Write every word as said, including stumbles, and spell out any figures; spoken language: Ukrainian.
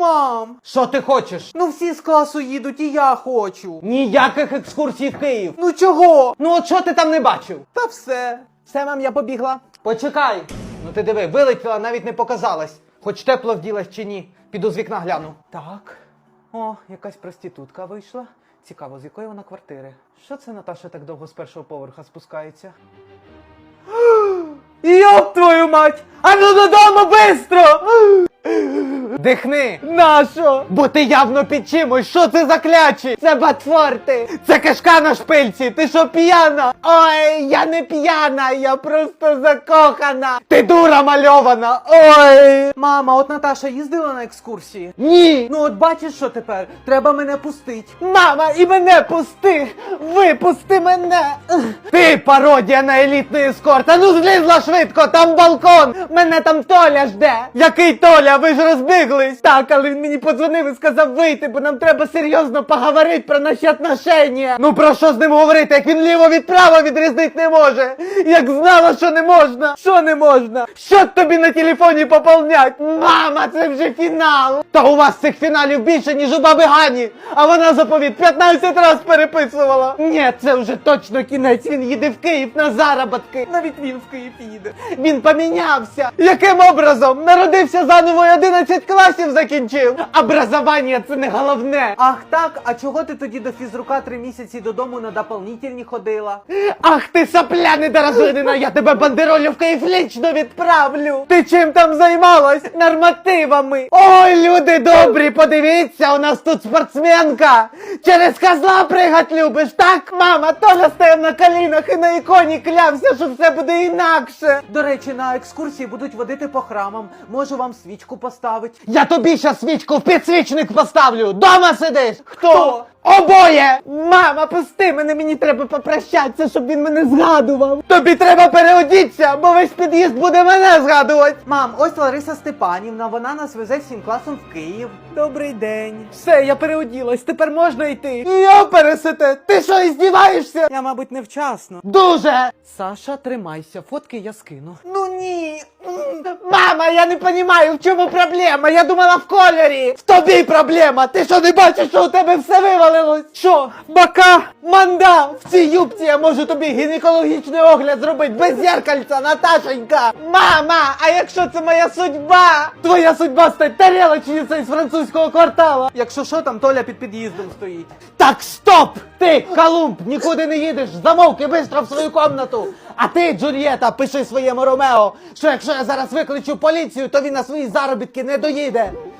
Мам, Що ти хочеш? ну всі з класу їдуть і я хочу. Ніяких екскурсій в Київ. Ну чого? Ну от що ти там не бачив? Та все. Все, мам, я побігла. Почекай. Ну ти диви, вилетіла, навіть не показалась. Хоч тепло вділась чи ні. Піду з вікна гляну. Так. О, якась проститутка вийшла. Цікаво, з якої вона квартири? Що це Наташа так довго з першого поверха спускається? Йоп твою мать! А ну додому бистро! Дихни! Нащо? Бо ти явно під чимось. Що це за клячі? Це Батфорти! Це кишка на шпильці. Ти що, п'яна? Ой, я не п'яна, я просто закохана! Ти дура мальована. Ой! Мама, от Наташа їздила на екскурсії? Ні! Ну от бачиш, що тепер? Треба мене пустить. Мама, і мене пусти! Випусти мене! Ти пародія на елітний ескорт! А ну злізла швидко, там балкон! Мене там Толя жде! Який Толя? Ви ж розбіглись! Так, але він мені подзвонив і сказав вийти, бо нам треба серйозно поговорити про наші отношення. Ну про що з ним говорити, як він ліво від права відрізнити не може? Як знала, що не можна! Що не можна? Що тобі на телефоні поповнять? Мама, це вже фінал! Та у вас цих фіналів більше, ніж у баби Гані! А вона заповіт п'ятнадцять раз переписувала! Ні, це вже точно кінець, він їде в Київ на заробітки! Навіть він в Київ їде. Він помінявся! Яким образом? Народився заново і одинадцять класів закінчив! Образування це не головне! Ах так, а чого ти тоді до фізрука три місяці додому на дополнительні ходила? Ах ти сопля недорозвинена, я тебе бандеролю в Київ лічно відправлю! Ти чим там займалась? Нормативами! Ой, люди добрі, подивіться, у нас тут спортсменка! Через козла пригать любиш, так? Мама, Толя стояв на колінах і на іконі клявся, що все буде інакше! До речі, на екскурсії будуть водити по храмам. Можу вам свічку поставити. Я тобі щас свічку в підсвічник поставлю! Дома сидиш! Хто? Обоє! Мама, пусти мене, мені треба попрощатися, щоб він мене згадував. Тобі треба переодіться, бо весь під'їзд буде мене згадувати! Мам, ось Лариса Степанівна, вона нас везе всім класом в Київ. Добрий день. Все, я переоділась, тепер можна йти. Йо, пересете! Ти що, іздіваєшся? Я, мабуть, невчасно. Дуже! Саша, тримайся, фотки я скину. Ну ні! М, Мама, я не розумію, в чому проблема! Я думала в кольорі! В тобі проблема! Ти що не бачиш, що у тебе все вивалилось? Що? Бака! Манда! В цій юбці я можу тобі гінекологічний огляд зробити без зеркальця, Наташенька! Мама, а якщо це моя судьба? Твоя судьба стать тарелочницею з французького квартала! Якщо що, там Толя під під'їздом стоїть. Так, стоп! Ти, Колумб, нікуди не їдеш, замовки бистро в свою комнату! А ти, Джульєта, пиши своєму Ромео, що якщо я зараз викличу поліцію, то він на свої заробітки не доїде!